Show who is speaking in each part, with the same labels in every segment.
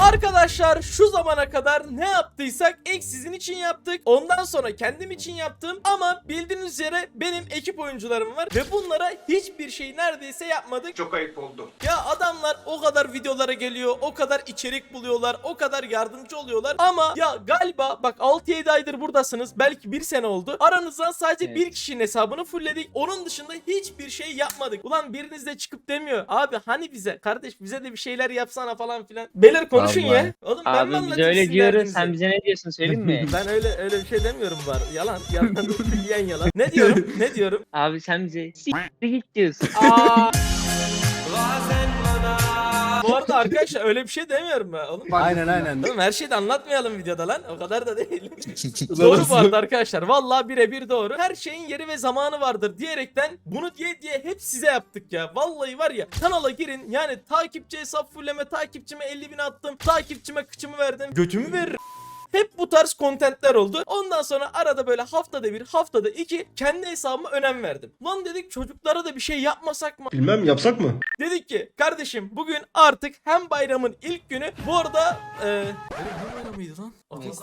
Speaker 1: Arkadaşlar şu zamana kadar ne yaptıysak ilk sizin için yaptık. Ondan sonra kendim için yaptım. Ama bildiğiniz üzere benim ekip oyuncularım var. Ve bunlara hiçbir şey neredeyse yapmadık.
Speaker 2: Çok ayıp oldu.
Speaker 1: Ya adamlar o kadar videolara geliyor. O kadar içerik buluyorlar. O kadar yardımcı oluyorlar. Ama ya galiba bak 6-7 aydır buradasınız. Belki 1 sene oldu. Aranızdan sadece bir kişinin hesabını fullledik. Onun dışında hiçbir şey yapmadık. Ulan biriniz de çıkıp demiyor. Abi hani bize kardeş bize de bir şeyler yapsana falan filan. Beyler konuşun
Speaker 3: Vallahi.
Speaker 1: ya. Oğlum ben mi
Speaker 4: Abi biz
Speaker 1: anlatayım
Speaker 4: öyle
Speaker 1: sizin
Speaker 4: diyoruz.
Speaker 1: derdinizi?
Speaker 4: Sen bize ne diyorsun söyleyeyim mi?
Speaker 1: Ben öyle bir şey demiyorum var. Yalan. Yalan. Külliyen yalan. Ne diyorum? Ne diyorum?
Speaker 4: Abi sen bize s**t git diyorsun.
Speaker 1: Aa. Bu arada arkadaşlar öyle bir şey demiyorum ben oğlum.
Speaker 3: Aynen.
Speaker 1: Oğlum her şeyi de anlatmayalım videoda lan. O kadar da değil. Doğru bu arada arkadaşlar. Vallahi birebir doğru. Her şeyin yeri ve zamanı vardır diyerekten bunu diye hep size yaptık ya. Vallahi var ya kanala girin. Yani takipçi hesap fulleme, takipçime 50.000 attım. Takipçime kıçımı verdim. Götümü veririm. Hep bu tarz kontentler oldu. Ondan sonra arada böyle haftada bir, haftada iki kendi hesabıma önem verdim. Lan dedik çocuklara da bir şey yapmasak mı?
Speaker 2: Bilmem yapsak mı?
Speaker 1: Dedik ki kardeşim bugün artık hem bayramın ilk günü. Bu arada ne bayramıydı lan?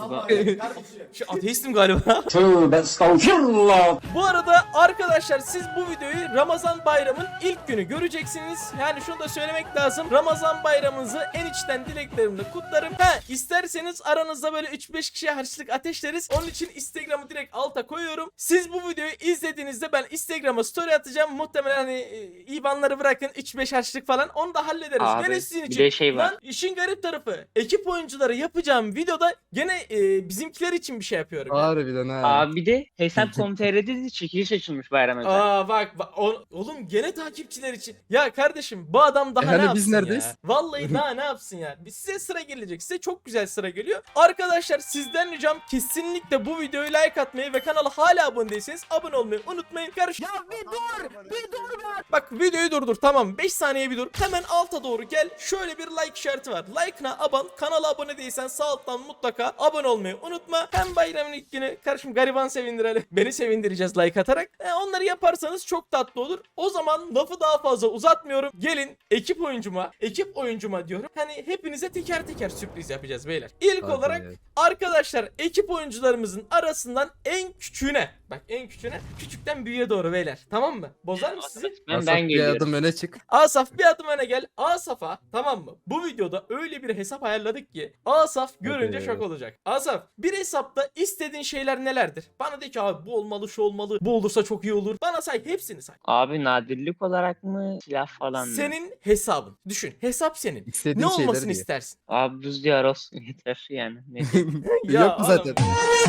Speaker 1: Ateistim galiba.
Speaker 3: Tövbe estağfirullah.
Speaker 1: Bu arada arkadaşlar siz bu videoyu Ramazan bayramın ilk günü göreceksiniz. Yani şunu da söylemek lazım. Ramazan bayramınızı en içten dileklerimle kutlarım. İsterseniz aranızda böyle 3-5 kişiye harçlık ateşleriz. Onun için Instagram'ı direkt alta koyuyorum. Siz bu videoyu izlediğinizde ben Instagram'a story atacağım. Muhtemelen hani IBAN'ları bırakın 3-5 harçlık falan onu da hallederiz.
Speaker 4: Abi,
Speaker 1: Gene sizin
Speaker 4: bir
Speaker 1: için.
Speaker 4: de şey var.
Speaker 1: Lan işin garip tarafı ekip oyuncuları yapacağım videoda gene bizimkiler için bir şey yapıyorum. ya.
Speaker 3: Harbiden ha.
Speaker 4: Abi bir de hesap.com.tr'de de çekiliş açılmış bayram özel.
Speaker 1: Bak oğlum gene takipçiler için. Ya kardeşim bu adam daha
Speaker 3: hani
Speaker 1: ne yapsın
Speaker 3: biz neredeyiz?
Speaker 1: ya? Vallahi daha ne yapsın ya? Size sıra gelecek. Size çok güzel sıra geliyor. Arkadaşlar sizden ricam kesinlikle bu videoyu like atmayı ve kanala hala abone değilseniz abone olmayı unutmayın. Ya bir dur Bak videoyu durdur tamam 5 saniye bir dur. Hemen alta doğru gel. Şöyle bir like işareti var. Like'ına kanala abone değilsen sağ alttan mutlaka abone olmayı unutma. Hem bayramın ilk günü kardeşim gariban sevindirelim. Beni sevindireceğiz like atarak. Onları yaparsanız çok tatlı olur. O zaman lafı daha fazla uzatmıyorum. Gelin ekip oyuncuma diyorum. Hani hepinize teker teker sürpriz yapacağız beyler. İlk
Speaker 3: Hadi
Speaker 1: olarak
Speaker 3: ya.
Speaker 1: arkadaşlar ekip oyuncularımızın arasından en küçüğüne bak en küçüğüne küçükten büyüğe doğru beyler. Tamam mı? Bozar mı sizi?
Speaker 4: Ben
Speaker 3: Bir
Speaker 4: geliyorum.
Speaker 3: adım öne çık.
Speaker 1: Asaf bir adım öne gel. Asaf'a tamam mı? Bu videoda öyle bir hesap ayarladık ki Asaf görünce
Speaker 3: Hadi.
Speaker 1: şok olacak. Asaf bir hesapta istediğin şeyler nelerdir? Bana de ki abi bu olmalı şu olmalı. Bu olursa çok iyi olur. Bana say hepsini say.
Speaker 4: Abi nadirlik olarak mı silah falan mı?
Speaker 1: Senin hesabın. Düşün hesap senin.
Speaker 3: İstediğin
Speaker 1: Ne
Speaker 3: şeyleri
Speaker 1: olmasını
Speaker 3: diye.
Speaker 1: istersin?
Speaker 4: Abi buz diyar olsun yeter yani. Ne?
Speaker 3: Yok mu
Speaker 1: oğlum.
Speaker 3: zaten?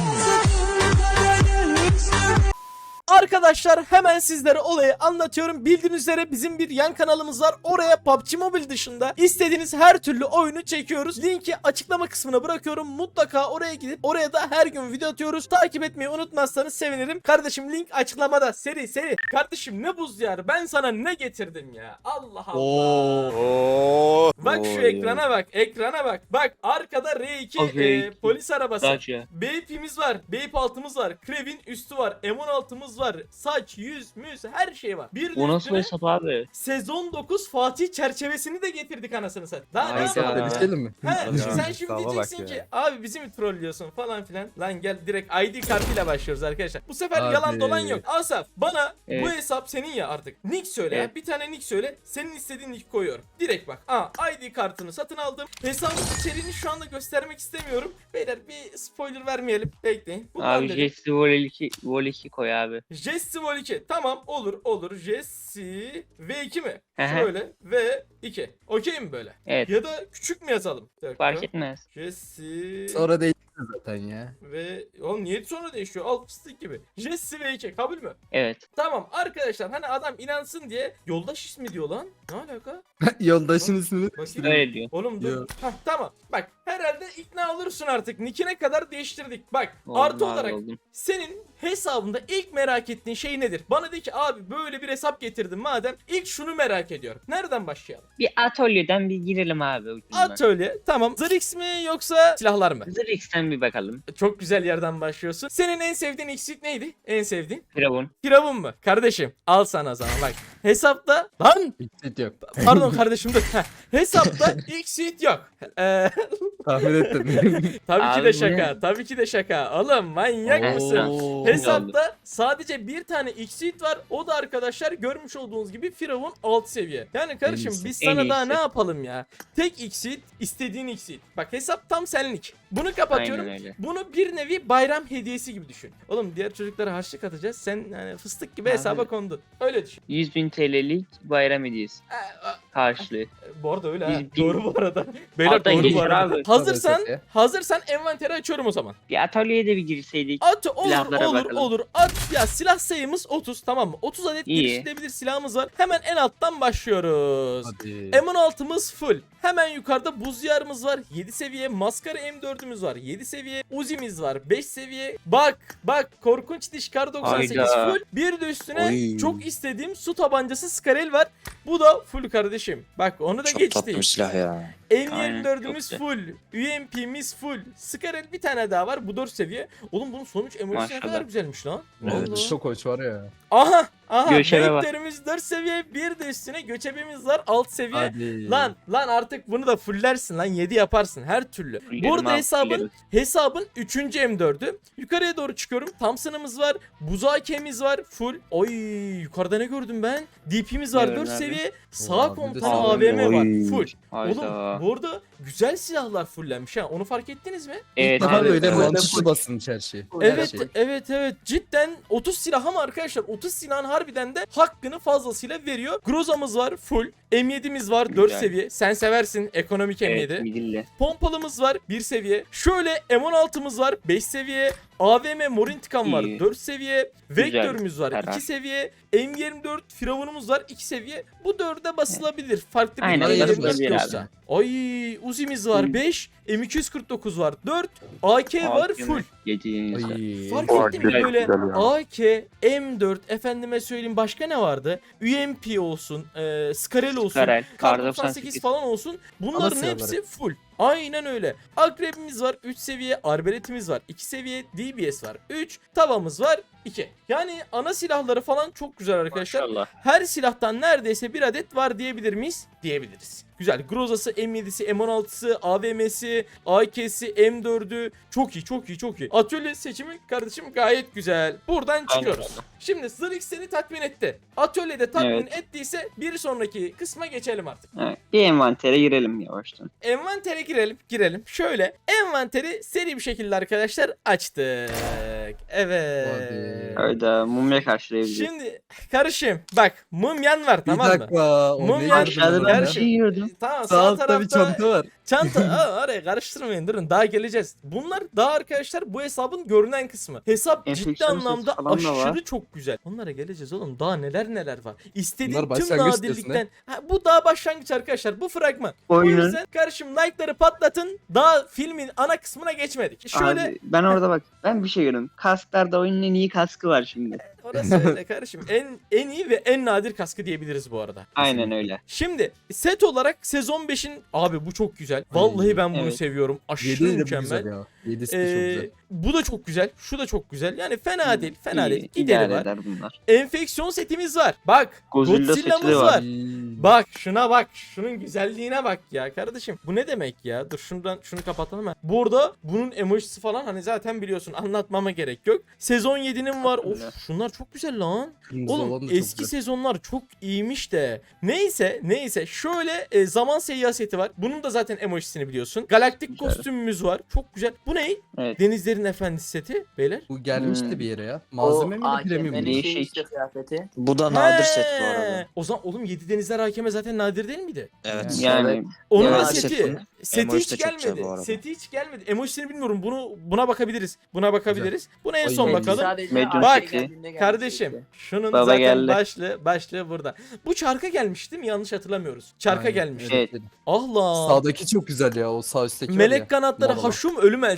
Speaker 1: Arkadaşlar hemen sizlere olayı anlatıyorum. Bildiğiniz üzere bizim bir yan kanalımız var. Oraya PUBG Mobile dışında istediğiniz her türlü oyunu çekiyoruz. Linki açıklama kısmına bırakıyorum. Mutlaka oraya gidip oraya da her gün video atıyoruz. Takip etmeyi unutmazsanız sevinirim. Kardeşim link açıklamada. Seri. Kardeşim ne buz diyarı. Ben sana ne getirdim ya. Allah Allah. Bak şu ekrana bak. Ekrana bak. Bak arkada R2
Speaker 4: Okay.
Speaker 1: polis arabası.
Speaker 4: Dacia.
Speaker 1: Beyp'imiz var. Beyp altımız var. Krevin üstü var. M16'mız var. Saç, yüz, müz her şey var. Bir de
Speaker 4: O nasıl
Speaker 1: üstüne
Speaker 4: hesap abi?
Speaker 1: sezon 9 Fatih çerçevesini de getirdik anasını satayım. Daha ne
Speaker 4: Hayda.
Speaker 1: yapalım?
Speaker 3: Delişelim mi?
Speaker 1: He, sen şimdi
Speaker 5: Hesaba bak
Speaker 1: diyeceksin
Speaker 5: ya.
Speaker 1: ki abi bizi mi trollüyorsun falan filan. Lan gel direkt ID kartıyla başlıyoruz arkadaşlar. Bu sefer
Speaker 3: Abi.
Speaker 1: yalan dolan yok. Asaf bana bu
Speaker 4: Evet.
Speaker 1: hesap senin ya artık. Nick söyle ya.
Speaker 4: Evet.
Speaker 1: Bir tane nick söyle. Senin istediğin nick koyuyorum. Direkt bak. ID kartını satın aldım. Hesabın içeriğini şu anda göstermek istemiyorum. Beyler bir spoiler vermeyelim. Bekleyin. Bundan
Speaker 4: Abi
Speaker 1: dedim.
Speaker 4: Jesse Vol 2 koy abi.
Speaker 1: Jesse Vol 2. Tamam olur. Jesse V2 mi?
Speaker 4: Hı hı.
Speaker 1: Şöyle V2. Okey mi böyle?
Speaker 4: Evet.
Speaker 1: Ya da küçük mü yazalım? Bir dakika.
Speaker 4: Fark etmez.
Speaker 1: Jesse
Speaker 3: Sonra değişti zaten ya.
Speaker 1: ve oğlum niye sonra değişiyor? Al fıstık gibi. Jesse V2 kabul mü?
Speaker 4: Evet.
Speaker 1: Tamam arkadaşlar hani adam inansın diye yoldaş ismi diyor lan. Ne alaka?
Speaker 3: Yoldaşın ismini
Speaker 1: Bakayım.
Speaker 4: Öyle diyor.
Speaker 1: Oğlum dur.
Speaker 3: Yok.
Speaker 1: Hah tamam. Bak herhalde ikna olursun artık. Nick'ine kadar değiştirdik. Bak
Speaker 4: Oldum
Speaker 1: artı
Speaker 4: abi,
Speaker 1: olarak
Speaker 4: oldum.
Speaker 1: senin hesabında ilk merak ettiğin şey nedir? Bana de ki abi böyle bir hesap getirdim madem ilk şunu merak ediyorum. Nereden başlayalım?
Speaker 4: Bir atölyeden bir girelim abi ucundan.
Speaker 1: Atölye tamam. Zırx mi yoksa silahlar mı?
Speaker 4: Zırh'ten bir bakalım.
Speaker 1: Çok güzel yerden başlıyorsun. Senin en sevdiğin XP neydi? En sevdiğin?
Speaker 4: Firavun.
Speaker 1: Firavun mu? Kardeşim al sana o zaman bak. Hesapta lan
Speaker 3: Exit yok.
Speaker 1: pardon kardeşim dur. Hesapta X-Suite yok.
Speaker 3: Tahmin ettim.
Speaker 1: Tabii ki
Speaker 4: Abi
Speaker 1: de
Speaker 4: bu
Speaker 1: şaka.
Speaker 4: ne?
Speaker 1: Tabii ki de şaka. Oğlum manyak mısın?
Speaker 3: Oo.
Speaker 1: Hesapta sadece bir tane Exceed var. O da arkadaşlar görmüş olduğunuz gibi Firavun alt seviye. Yani kardeşim
Speaker 3: iyisi.
Speaker 1: biz
Speaker 4: En
Speaker 1: sana daha
Speaker 4: iyisi.
Speaker 1: ne yapalım ya? Tek Exceed, istediğin Exceed. Bak hesap tam senlik. Bunu kapatıyorum.
Speaker 4: Aynen öyle.
Speaker 1: Bunu bir nevi bayram hediyesi gibi düşün. Oğlum diğer çocuklara harçlık atacağız. Sen yani fıstık gibi
Speaker 4: Abi.
Speaker 1: hesaba kondun. Öyle düşün.
Speaker 4: 100.000 TL'lik bayram hediyesi karşılığı.
Speaker 1: Bu arada öyle ha.
Speaker 4: Biz-
Speaker 1: Doğru bu arada. Beyler
Speaker 4: Hatta
Speaker 1: doğru bu
Speaker 4: geçer
Speaker 1: arada.
Speaker 4: abi.
Speaker 1: Hazırsan,
Speaker 3: Tabii,
Speaker 1: hazırsan envanteri açıyorum o zaman.
Speaker 4: Bir atölyeye de bir girseydik.
Speaker 1: At olur
Speaker 4: Silahlara
Speaker 1: olur
Speaker 4: bakalım.
Speaker 1: olur. At ya silah sayımız 30 tamam mı? 30 adet
Speaker 4: İyi.
Speaker 1: geliştirilebilir silahımız var. Hemen en alttan başlıyoruz.
Speaker 3: Hadi.
Speaker 1: M16'mız full. Hemen yukarıda buz diyarımız var. 7 seviye. Maskara M4'ümüz var. 7 seviye. Uzi'miz var. 5 seviye. Bak korkunç diş kar 98
Speaker 4: Hayda.
Speaker 1: full. Bir de üstüne
Speaker 2: Oy.
Speaker 1: çok istediğim su tabancası Skarel var. Bu da full kardeşim. Bak onu da
Speaker 2: Çok tatlı
Speaker 1: geçtik.
Speaker 2: bir silah ya.
Speaker 4: Aynen,
Speaker 1: M24'ümüz
Speaker 4: çok
Speaker 1: full. UMP'miz full. Skarel bir tane daha var. Bu 4 seviye. Oğlum bunun sonuç emojisi ne
Speaker 4: Maşallah.
Speaker 1: kadar güzelmiş lan.
Speaker 3: Evet,
Speaker 1: Vallahi.
Speaker 3: çok hoş var ya.
Speaker 1: Aha.
Speaker 4: Göçebe var.
Speaker 1: Renklerimiz 4 seviye. Bir de üstüne göçebemiz var 6 seviye.
Speaker 3: Hadi.
Speaker 1: Lan artık bunu da fullersin lan 7 yaparsın her türlü.
Speaker 4: Fullerim
Speaker 1: Burada
Speaker 4: abi,
Speaker 1: hesabın
Speaker 4: fullerim.
Speaker 1: 3. M4'ü. Yukarıya doğru çıkıyorum. Thompson'ımız var. Buzakemiz var full. Oy yukarıda ne gördüm ben? DP'miz var
Speaker 4: Ne
Speaker 1: 4
Speaker 4: gördün abi?
Speaker 1: seviye. Sağ
Speaker 3: Oha, bir de
Speaker 1: komutanı
Speaker 3: sağ-
Speaker 1: AVM var
Speaker 2: Oy.
Speaker 1: full.
Speaker 4: Hayda.
Speaker 1: Oğlum bu arada güzel silahlar fullenmiş ha. Onu fark ettiniz mi?
Speaker 4: Evet
Speaker 3: Daha
Speaker 4: abi.
Speaker 3: böyle
Speaker 1: evet.
Speaker 3: mantıklı basılmış her şey.
Speaker 1: Evet,
Speaker 3: Her şey.
Speaker 1: evet. Cidden 30 silah ama arkadaşlar 30 silahın harbiden de hakkını fazlasıyla veriyor. Groza'mız var full. M7'miz var 4
Speaker 4: Güzel.
Speaker 1: seviye. Sen seversin ekonomik
Speaker 4: Evet,
Speaker 1: M7.
Speaker 4: midilli.
Speaker 1: Pompalımız var 1 seviye. Şöyle M16'mız var 5 seviye. AVM Morintikam var
Speaker 4: İyi.
Speaker 1: 4 seviye.
Speaker 4: Güzel,
Speaker 1: Vektörümüz var
Speaker 4: karar.
Speaker 1: 2 seviye. M24 Firavunumuz var 2 seviye. Bu 4'e basılabilir. Farklı bir
Speaker 4: Aynen,
Speaker 1: M24
Speaker 3: basılabilir
Speaker 1: yoksa.
Speaker 4: abi.
Speaker 1: Ay Uzi'miz var
Speaker 4: Hı.
Speaker 1: 5. M249 var 4. AK var full.
Speaker 4: Geceğinizde.
Speaker 3: Ay.
Speaker 1: Fark
Speaker 2: Oy,
Speaker 1: ettin mi
Speaker 2: güzel,
Speaker 1: böyle
Speaker 2: güzel ya.
Speaker 1: AK, M4 efendime söyleyeyim başka ne vardı? UMP olsun, Skarel olsun,
Speaker 4: Skarel,
Speaker 1: Kar
Speaker 4: Kar
Speaker 1: 98
Speaker 4: 98
Speaker 1: falan olsun. Bunların
Speaker 3: silahları.
Speaker 1: hepsi full. Aynen öyle. Akrebimiz var 3 seviye, arbaletimiz var 2 seviye, DBS var 3, tavamız var 2. Yani ana silahları falan çok güzel arkadaşlar.
Speaker 4: Maşallah.
Speaker 1: Her silahtan neredeyse bir adet var diyebilir miyiz? Diyebiliriz. Güzel. Groza'sı, M7'si, M16'sı, AVM'si, AK'si, M4'ü. Çok iyi. Atölye seçimi kardeşim gayet güzel. Buradan çıkıyoruz.
Speaker 4: öyle.
Speaker 1: Şimdi Zırh seni tatmin etti. Atölyede tatmin
Speaker 4: Evet.
Speaker 1: ettiyse bir sonraki kısma geçelim artık.
Speaker 4: Evet, bir envantere girelim yavaştan.
Speaker 1: Envantere girelim. Şöyle envanteri seri bir şekilde arkadaşlar açtık. Evet.
Speaker 3: Hadi.
Speaker 4: Öyle mumya karşılayabiliriz.
Speaker 1: Şimdi karışım bak mumyan var
Speaker 3: Bir
Speaker 1: tamam mı?
Speaker 3: dakika. o
Speaker 1: Mum
Speaker 3: ne
Speaker 1: ya-
Speaker 3: gördün
Speaker 4: Aşağıda
Speaker 3: lan
Speaker 4: da
Speaker 3: ya?
Speaker 4: bir şey gördüm.
Speaker 1: Tamam
Speaker 3: Sağ
Speaker 1: sağ
Speaker 3: altta bir
Speaker 1: tarafta
Speaker 3: çanta var.
Speaker 1: çanta oraya karıştırmayın durun daha geleceğiz. Bunlar daha arkadaşlar bu hesabın görünen kısmı. Hesap ciddi
Speaker 4: Enfeksiyon
Speaker 1: anlamda
Speaker 4: seti falan da var.
Speaker 1: aşırı çok güzel. Onlara geleceğiz oğlum daha neler var. İstediğin
Speaker 3: Bunlar
Speaker 1: tüm
Speaker 3: başlangıç
Speaker 1: nadirlikten. Ha, bu daha başlangıç arkadaşlar bu fragman. O
Speaker 4: Oyunun.
Speaker 1: yüzden karışım like'ları patlatın. Daha filmin ana kısmına geçmedik. Şöyle
Speaker 4: Abi, ben orada bak ben bir şey gördüm. Kasklarda oyunun en iyi kaskı var şimdi.
Speaker 1: orası öyle karışım. En iyi ve en nadir kaskı diyebiliriz bu arada.
Speaker 4: Aynen öyle.
Speaker 1: Şimdi set olarak sezon 5'in abi bu çok güzel. Vallahi ben bunu
Speaker 4: Evet.
Speaker 1: seviyorum. Aşırı
Speaker 3: 7 de bu
Speaker 1: mükemmel.
Speaker 3: güzel ya. 7'si de çok güzel.
Speaker 1: Bu da çok güzel. Şu da çok güzel. Yani fena değil. Fena
Speaker 4: İyi,
Speaker 1: değil. Gideri
Speaker 4: idare
Speaker 1: var.
Speaker 4: eder bunlar.
Speaker 1: Enfeksiyon setimiz var. Bak.
Speaker 4: Godzilla seti de
Speaker 1: Godzilla'mız
Speaker 4: var.
Speaker 1: var.
Speaker 3: Ay.
Speaker 1: Bak şuna bak. Şunun güzelliğine bak ya kardeşim. Bu ne demek ya? Dur şunu kapatalım. Burada bunun emojisi falan hani zaten biliyorsun anlatmama gerek yok. Sezon 7'nin var.
Speaker 4: Öyle.
Speaker 1: Of şunlar çok güzel lan.
Speaker 3: Kırmızı olan
Speaker 1: Oğlum
Speaker 3: da çok
Speaker 1: eski
Speaker 3: güzel.
Speaker 1: sezonlar çok iyiymiş de. Neyse şöyle zaman seyahati var. Bunun da zaten emojisini biliyorsun. Galaktik
Speaker 4: Güzel.
Speaker 1: kostümümüz var. Çok güzel. Bu ne?
Speaker 4: Evet.
Speaker 1: Denizlerin Efendisi seti beyler.
Speaker 3: Bu gelmişti
Speaker 4: Hmm.
Speaker 3: bir yere ya. Malzeme mi premium mu?
Speaker 4: AKM'li
Speaker 2: Değişik.
Speaker 4: şey
Speaker 2: işte
Speaker 4: kıyafeti.
Speaker 2: Bu da nadir set bu
Speaker 1: He.
Speaker 2: arada.
Speaker 1: O zaman oğlum 7 Denizler Hakeme zaten nadir değil miydi?
Speaker 2: Evet.
Speaker 4: Yani
Speaker 1: Onun da
Speaker 2: Evet,
Speaker 1: seti.
Speaker 2: set
Speaker 1: Seti
Speaker 2: Emoji
Speaker 1: hiç
Speaker 2: de çok güzel
Speaker 1: gelmedi.
Speaker 2: bu arada.
Speaker 1: Seti hiç gelmedi. Emojisini bilmiyorum. Buna bakabiliriz. Buna bakabiliriz. Buna en
Speaker 3: Ay,
Speaker 1: son
Speaker 3: evet.
Speaker 1: bakalım.
Speaker 4: Medium
Speaker 1: Bak,
Speaker 4: seti.
Speaker 1: Kardeşim şunun
Speaker 4: Baba
Speaker 1: zaten
Speaker 4: geldi.
Speaker 1: başlığı burada. Bu çarka gelmiş değil mi? Yanlış hatırlamıyoruz. Çarka
Speaker 3: Aynen,
Speaker 1: gelmiş.
Speaker 3: evet.
Speaker 1: Allah.
Speaker 3: Sağdaki çok güzel ya. O sağ üstteki var ya.
Speaker 1: Melek kanatları
Speaker 3: Mor olan.
Speaker 1: haşum ölüm elçisi.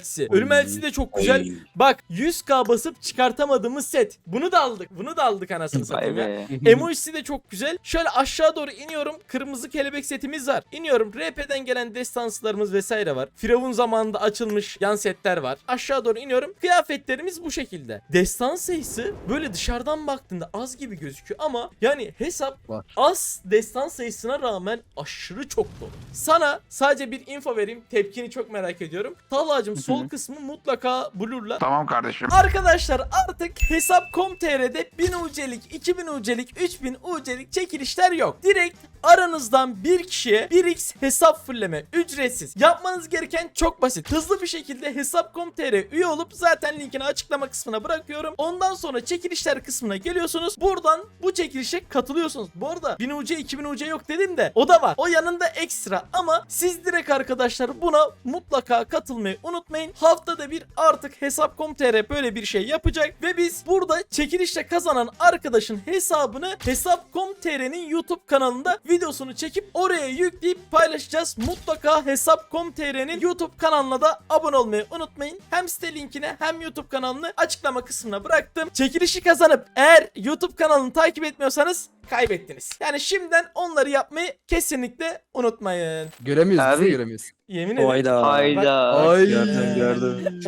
Speaker 1: eltisi. Ölüm eltisi de çok güzel. Bak 100k basıp çıkartamadığımız set. Bunu da aldık. Bunu da aldık anasını
Speaker 4: Vay
Speaker 1: satayım ya.
Speaker 4: be.
Speaker 1: Emojisi de çok güzel. Şöyle aşağı doğru iniyorum. Kırmızı kelebek setimiz var. İniyorum. RP'den gelen destanslarımız vesaire var. Firavun zamanında açılmış yan setler var. Aşağı doğru iniyorum. Kıyafetlerimiz bu şekilde. Destan sayısı böyle dışarıdan baktığında az gibi gözüküyor ama yani hesap
Speaker 3: Var.
Speaker 1: az destan sayısına rağmen aşırı çok dolu. Sana sadece bir info vereyim. Tepkini çok merak ediyorum. Talha'cığım sol kısmı mutlaka blurla.
Speaker 2: Tamam kardeşim.
Speaker 1: Arkadaşlar artık hesap.com.tr'de 1000 UC'lik, 2000 UC'lik, 3000 UC'lik çekilişler yok. Direkt aranızdan bir kişiye 1x hesap fulleme ücretsiz. Yapmanız gereken çok basit. Hızlı bir şekilde hesap.com.tr üye olup zaten linkini açıklama kısmına bırakıyorum. Ondan sonra çekilişler kısmına geliyorsunuz. Buradan bu çekilişe katılıyorsunuz. Bu arada 1000 UC 2000 UC yok dedim de o da var. O yanında ekstra ama siz direkt arkadaşlar buna mutlaka katılmayı unutmayın. Haftada bir artık hesap.com.tr böyle bir şey yapacak ve biz burada çekilişle kazanan arkadaşın hesabını hesap.com.tr'nin YouTube kanalında videosunu çekip oraya yükleyip paylaşacağız. Mutlaka hesap.com.tr'nin YouTube kanalına da abone olmayı unutmayın. Hem site linkine hem YouTube kanalını açıklama kısmına bıraktım. Çekilişi kazanıp eğer YouTube kanalını takip etmiyorsanız kaybettiniz. Yani şimdiden onları yapmayı kesinlikle unutmayın.
Speaker 3: Göremiyoruz,
Speaker 4: Abi.
Speaker 3: biz de göremiyoruz.
Speaker 1: Yemin ederim.
Speaker 5: Hayda.
Speaker 4: Hayda.
Speaker 3: Ay.
Speaker 5: Gördüm.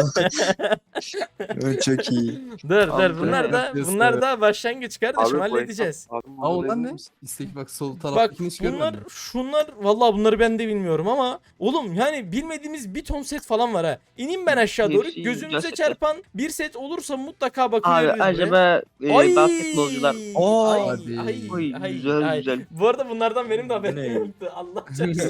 Speaker 5: Çok iyi.
Speaker 1: Dur
Speaker 3: Abi,
Speaker 1: bunlar da başlangıç kardeşim
Speaker 2: Abi, bu
Speaker 1: halledeceğiz.
Speaker 3: Aa onlar ne? İstek bak sol
Speaker 1: Bak
Speaker 3: taraftakini hiç
Speaker 1: bunlar
Speaker 3: görmedim.
Speaker 1: şunlar vallahi bunları ben de bilmiyorum ama oğlum yani bilmediğimiz bir ton set falan var ha. İneyim ben aşağı doğru.
Speaker 4: Hepsi
Speaker 1: Gözümüze
Speaker 4: güzel
Speaker 1: çarpan bir set olursa mutlaka
Speaker 4: Abi
Speaker 1: bakıyoruz.
Speaker 4: acaba basketbolcular.
Speaker 5: Oo,
Speaker 1: Ay,
Speaker 3: hadi.
Speaker 1: ay,
Speaker 4: Oy,
Speaker 1: ay,
Speaker 4: güzel,
Speaker 1: ay.
Speaker 4: güzel.
Speaker 1: Bu arada bunlardan benim de
Speaker 5: Bu
Speaker 1: haberim
Speaker 5: ne?
Speaker 1: yoktu. Allah çarpsın.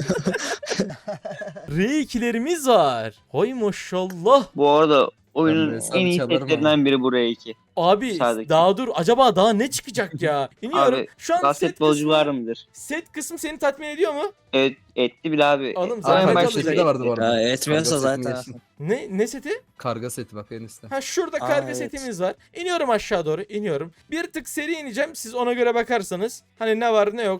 Speaker 1: R2'lerimiz var. Hay maşallah.
Speaker 4: Bu arada
Speaker 3: Ben
Speaker 4: oyunun
Speaker 3: mesela
Speaker 4: en iyi
Speaker 3: çalarım
Speaker 4: setlerinden biri buraya 2.
Speaker 1: Abi
Speaker 4: Sağdaki.
Speaker 1: daha dur. Acaba daha ne çıkacak ya? İniyorum.
Speaker 4: Abi,
Speaker 1: Şu an
Speaker 4: Basketbolcu var mıdır?
Speaker 1: Set kısmı seni tatmin ediyor mu?
Speaker 4: Evet, etti bile abi.
Speaker 1: Oğlum,
Speaker 4: En
Speaker 1: zaten
Speaker 3: Karga
Speaker 4: başta
Speaker 1: çalışıyor.
Speaker 3: seti de vardı bu arada.
Speaker 5: Ya etmiyorsa
Speaker 3: Karga setini
Speaker 5: zaten.
Speaker 3: geçtim.
Speaker 1: Ne seti?
Speaker 3: Karga seti bak en üstte.
Speaker 1: Ha şurada
Speaker 5: Aa,
Speaker 1: karga
Speaker 5: evet.
Speaker 1: setimiz var. İniyorum aşağı doğru iniyorum. Bir tık seri ineceğim. Siz ona göre bakarsanız. Hani ne var ne yok.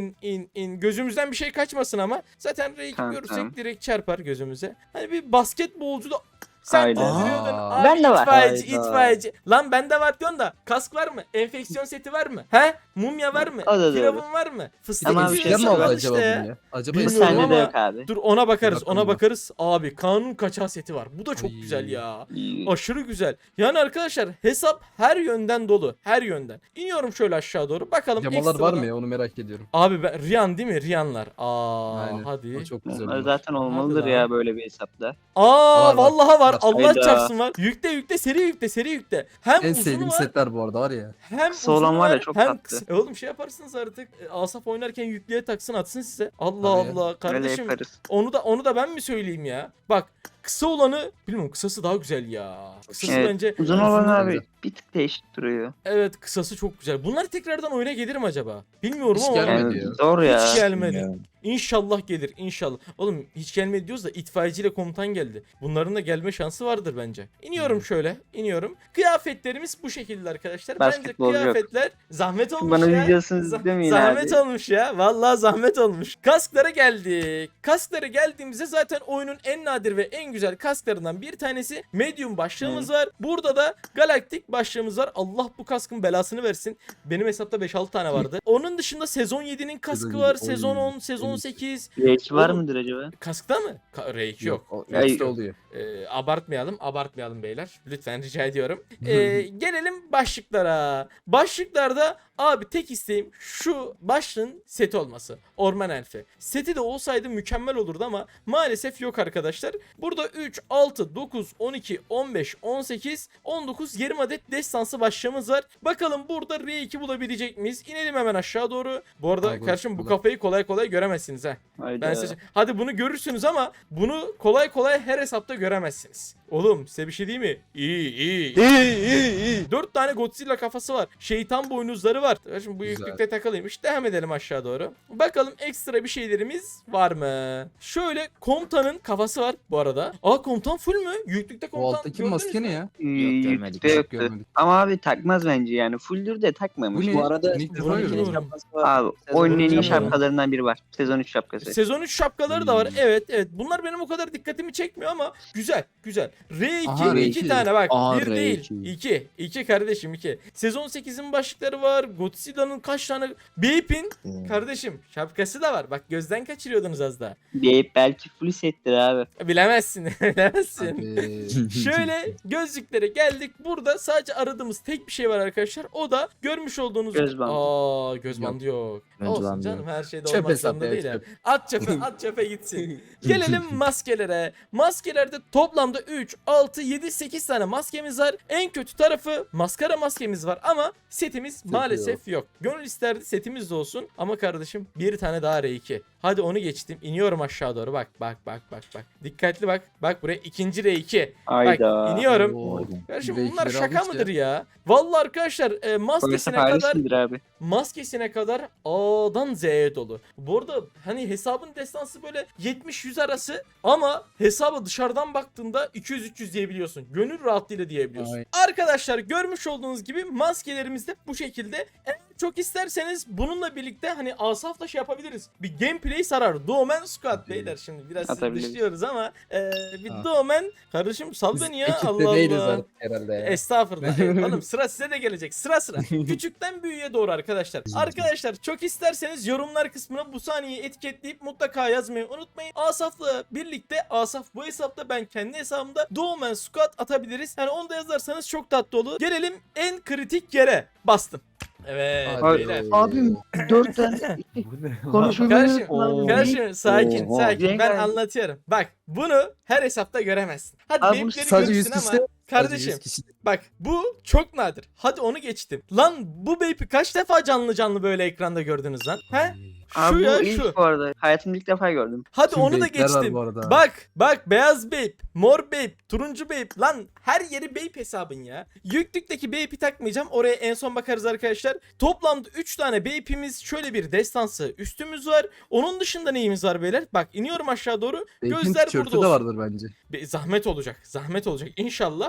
Speaker 1: İn. Gözümüzden bir şey kaçmasın ama. Zaten R2
Speaker 4: Tamam,
Speaker 1: görürsek
Speaker 4: tamam.
Speaker 1: direkt çarpar gözümüze. Hani bir basketbolcu da... Sen
Speaker 4: Hayda.
Speaker 1: öldürüyordun.
Speaker 3: Aa.
Speaker 1: Abi
Speaker 4: Ben de var.
Speaker 1: itfaiyeci,
Speaker 5: Hayda.
Speaker 1: itfaiyeci. Lan bende var diyorsun da. Kask var mı? Enfeksiyon seti var mı? He? Mumya var mı?
Speaker 4: O da doğru.
Speaker 1: Firavun var mı? Fıstık
Speaker 4: Ama
Speaker 1: gibi
Speaker 4: bir şey
Speaker 3: Eskiden mi
Speaker 1: insan
Speaker 3: aldı
Speaker 1: var
Speaker 3: acaba
Speaker 1: işte
Speaker 3: bunu
Speaker 1: ya.
Speaker 3: ya? Acaba
Speaker 1: Bilmiyorum
Speaker 3: eskiden
Speaker 4: Sende
Speaker 1: ama-
Speaker 4: de yok abi.
Speaker 1: Dur ona bakarız
Speaker 3: Bakalım
Speaker 1: ona
Speaker 3: bak.
Speaker 1: bakarız. Abi kanun kaçağı seti var. Bu da çok
Speaker 3: Ay.
Speaker 1: güzel ya.
Speaker 4: İyi.
Speaker 1: Aşırı güzel. Yani arkadaşlar hesap her yönden dolu. Her yönden. İniyorum şöyle aşağı doğru. Bakalım.
Speaker 3: Yamalar var
Speaker 1: ekstradan-
Speaker 3: mı ya onu merak ediyorum.
Speaker 1: Abi ben, Riyan değil mi? Riyanlar. Aa
Speaker 3: Aynen.
Speaker 1: hadi.
Speaker 3: O çok güzel.
Speaker 4: Onlar
Speaker 3: olur.
Speaker 4: zaten olmalıdır
Speaker 1: Hadi
Speaker 4: ya
Speaker 1: lan.
Speaker 4: böyle bir hesapta.
Speaker 1: Aa
Speaker 3: Var, var.
Speaker 1: vallahi var.
Speaker 3: Var.
Speaker 1: Allah
Speaker 4: Hayda.
Speaker 1: çarpsın var. Yükle seri yükle. Hem
Speaker 3: En
Speaker 1: uzun
Speaker 3: sevdiğim
Speaker 1: var.
Speaker 3: setler bu arada var ya.
Speaker 1: Hem
Speaker 4: Kısa
Speaker 1: uzun
Speaker 4: olan var ya, çok
Speaker 1: hem
Speaker 4: tatlı.
Speaker 1: kısa. Oğlum şey yaparsınız artık. Asaf oynarken yükleye taksın atsın size. Allah
Speaker 3: Tabii.
Speaker 1: Allah
Speaker 4: Öyle
Speaker 1: kardeşim.
Speaker 4: yaparız.
Speaker 1: Onu da ben mi söyleyeyim ya? Bak kısa olanı bilmiyorum kısası daha güzel ya. Kısası
Speaker 4: Evet,
Speaker 1: bence
Speaker 4: Uzun olan
Speaker 3: Uzun
Speaker 4: abi
Speaker 3: güzel.
Speaker 4: bir tık değişik duruyor.
Speaker 1: evet kısası çok güzel. Bunlar tekrardan oyuna gelir mi acaba? Bilmiyorum
Speaker 3: Hiç
Speaker 1: ama
Speaker 3: gelmedi.
Speaker 4: Yani
Speaker 3: ya.
Speaker 4: zor ya.
Speaker 1: hiç gelmedi.
Speaker 5: Bilmiyorum.
Speaker 1: İnşallah gelir inşallah. Oğlum hiç gelmedi diyoruz da itfaiyeciyle komutan geldi. Bunların da gelme şansı vardır bence. İniyorum şöyle iniyorum. Kıyafetlerimiz bu şekilde arkadaşlar. Bence
Speaker 4: Basketbolcu yok.
Speaker 1: kıyafetler zahmet olmuş
Speaker 4: Bana
Speaker 1: ya.
Speaker 4: videosunu
Speaker 1: Za-
Speaker 4: izlemeyin
Speaker 1: Zahmet
Speaker 4: abi.
Speaker 1: olmuş ya. Vallahi zahmet olmuş. Kasklara geldik. Kasklara geldiğimizde zaten oyunun en nadir ve en güzel kasklarından bir tanesi medium başlığımız var. Burada da galaktik başlığımız var. Allah bu kaskın belasını versin. Benim hesapta 5-6 tane vardı. Onun dışında sezon 7'nin kaskı
Speaker 3: Sezon
Speaker 1: var.
Speaker 3: 7,
Speaker 1: Sezon
Speaker 3: oy.
Speaker 1: 10, sezon 8.
Speaker 4: Reiki var
Speaker 1: Oğlum,
Speaker 4: mıdır acaba?
Speaker 1: Kaskta mı? R2 yok.
Speaker 3: O
Speaker 4: Ay,
Speaker 3: üstte oluyor.
Speaker 1: Abartmayalım beyler. Lütfen rica ediyorum. Gelelim başlıklara. Başlıklarda abi tek isteğim şu başlığın seti olması. Orman Elfi. Seti de olsaydı mükemmel olurdu ama maalesef yok arkadaşlar. Burada 3, 6, 9, 12, 15, 18, 19, 20 adet destansı başlığımız var. Bakalım burada R2 bulabilecek miyiz? İnelim hemen aşağı doğru. Bu arada
Speaker 3: Abi,
Speaker 1: kardeşim bu
Speaker 3: burada.
Speaker 1: kafayı kolay kolay göremezsiniz ha.
Speaker 4: Hayda.
Speaker 1: Ben size... Hadi bunu görürsünüz ama bunu kolay kolay her hesapta göremezsiniz. Oğlum size bir şey diyeyim mi? İyi. 4 tane Godzilla kafası var. Şeytan boynuzları var. Şimdi bu
Speaker 3: Güzel.
Speaker 1: yüklükte takılayım. İşte devam edelim aşağı doğru. Bakalım ekstra bir şeylerimiz var mı? Şöyle komutanın kafası var bu arada. Aa komutan full mü? Yüklükte
Speaker 3: O
Speaker 1: komutan
Speaker 3: alttaki
Speaker 1: gördünüz
Speaker 3: maske
Speaker 1: mü?
Speaker 3: ne ya?
Speaker 2: görmedik.
Speaker 4: Yükte yoktu.
Speaker 3: Görmedik.
Speaker 4: Ama abi takmaz bence yani. Fulldür de takmamış.
Speaker 3: Bu ne?
Speaker 2: Bu arada
Speaker 3: İlk defa
Speaker 2: bunun
Speaker 3: görüyorum.
Speaker 2: yine şapkası var.
Speaker 4: Abi
Speaker 2: Sezon
Speaker 4: oyunun en iyi
Speaker 1: bilmiyorum.
Speaker 4: şapkalarından biri var. Sezon 3 şapkası.
Speaker 1: Sezon 3 şapkaları da var.
Speaker 3: Hmm.
Speaker 1: Evet. Bunlar benim o kadar dikkatimi çekmiyor ama güzel. R2
Speaker 3: Aha,
Speaker 1: 2
Speaker 3: R2.
Speaker 1: tane bak.
Speaker 2: Aha,
Speaker 1: Bir değil.
Speaker 2: R2.
Speaker 1: 2. 2 kardeşim 2. Sezon 8'in başlıkları var. Godzilla'nın kaç tane Bape'in kardeşim şapkası da var. Bak gözden kaçırıyordunuz az daha.
Speaker 4: Belki full settir abi.
Speaker 1: Bilemezsin. Bilemezsin.
Speaker 3: Hadi.
Speaker 1: Şöyle gözlüklere geldik. Burada sadece aradığımız tek bir şey var arkadaşlar. O da görmüş olduğunuz
Speaker 4: Göz bandı.
Speaker 1: Aa, göz bandı yok.
Speaker 2: Göz
Speaker 1: Olsun
Speaker 2: bandı
Speaker 1: canım
Speaker 2: yok.
Speaker 1: her şeyde
Speaker 3: Çöp
Speaker 1: olmak
Speaker 3: hesap
Speaker 1: zorunda
Speaker 3: ya,
Speaker 1: değil.
Speaker 3: çöp.
Speaker 1: Yani. At çöpe, at çöpe gitsin. Gelelim maskelere. Maskelerde toplamda 3, 6, 7, 8 tane maskemiz var. En kötü tarafı maskara maskemiz var ama setimiz maalesef yok. Gönül isterdi setimiz de olsun ama kardeşim bir tane daha R2. Hadi onu geçtim. İniyorum aşağı doğru. Bak. Dikkatli bak. Bak buraya ikinci R2.
Speaker 4: Ayda.
Speaker 1: Bak iniyorum.
Speaker 3: Oo.
Speaker 1: Kardeşim
Speaker 3: R2'leri
Speaker 1: bunlar şaka
Speaker 3: almış
Speaker 1: mıdır ya? Vallahi arkadaşlar
Speaker 4: Orası
Speaker 1: maskesine kadar
Speaker 4: Paris'indir abi.
Speaker 1: maskesine kadar A'dan Z'ye dolu. Bu arada hani hesabın destansı böyle 70-100 arası ama hesaba dışarıdan baktığında 200-300 diyebiliyorsun. Gönül rahatlığıyla diyebiliyorsun.
Speaker 3: Ay.
Speaker 1: Arkadaşlar görmüş olduğunuz gibi maskelerimiz de bu şekilde. Eğer çok isterseniz bununla birlikte hani Asaf'la şey yapabiliriz. Bir gameplay sarar. Doğumen Squad beyler şimdi biraz sizi
Speaker 4: Atabiliriz.
Speaker 1: dışlıyoruz ama bir
Speaker 3: Ha.
Speaker 1: Doğumen kardeşim sal
Speaker 3: Biz
Speaker 1: beni ya
Speaker 3: ekipte
Speaker 1: Allah
Speaker 3: değiliz
Speaker 1: Allah.
Speaker 3: artık herhalde ya.
Speaker 1: Estağfurullah. Oğlum sıra size de gelecek. Sıra. Küçükten büyüğe doğru arkadaşlar. Arkadaşlar çok isterseniz yorumlar kısmına bu saniyeyi etiketleyip mutlaka yazmayı unutmayın. Asaf'la birlikte Asaf bu hesapta ben kendi hesabımda Doğumen Squad atabiliriz. Yani onu da yazarsanız çok tatlı olur. Gelelim en kritik yere. Bastım. Evet
Speaker 3: Hadi.
Speaker 1: beyler.
Speaker 4: Abim 4 tane
Speaker 1: Kardeşim,
Speaker 4: konuşuyor.
Speaker 1: kardeşim sakin
Speaker 2: Oha.
Speaker 1: sakin ben
Speaker 4: Rengarenk.
Speaker 1: anlatıyorum. Bak bunu her hesapta göremezsin. Hadi
Speaker 4: Abi bunu
Speaker 1: benimkileri
Speaker 3: Sadece 100
Speaker 1: görürsün
Speaker 3: kişi.
Speaker 1: ama kardeşim bak bu çok nadir. Hadi onu geçtim. Lan bu Bape'i kaç defa canlı böyle ekranda gördünüz lan? He? Şu
Speaker 4: Abi
Speaker 1: ya
Speaker 4: bu ilk
Speaker 1: şu.
Speaker 4: bu arada. Hayatımda ilk defa gördüm.
Speaker 1: Hadi
Speaker 3: Tüm
Speaker 1: onu da
Speaker 3: Bape'ler var
Speaker 1: geçtim.
Speaker 3: bu arada.
Speaker 1: Bak beyaz Bape, mor Bape, turuncu Bape. Lan her yeri Bape hesabın ya. Yüklükteki Bape'i takmayacağım. Oraya en son bakarız arkadaşlar. Toplamda 3 tane Bape'imiz şöyle bir destansı üstümüz var. Onun dışında neyimiz var beyler? Bak iniyorum aşağı doğru. Gözler burada
Speaker 3: de
Speaker 1: olsun.
Speaker 3: vardır bence.
Speaker 1: Zahmet olacak. Zahmet olacak inşallah.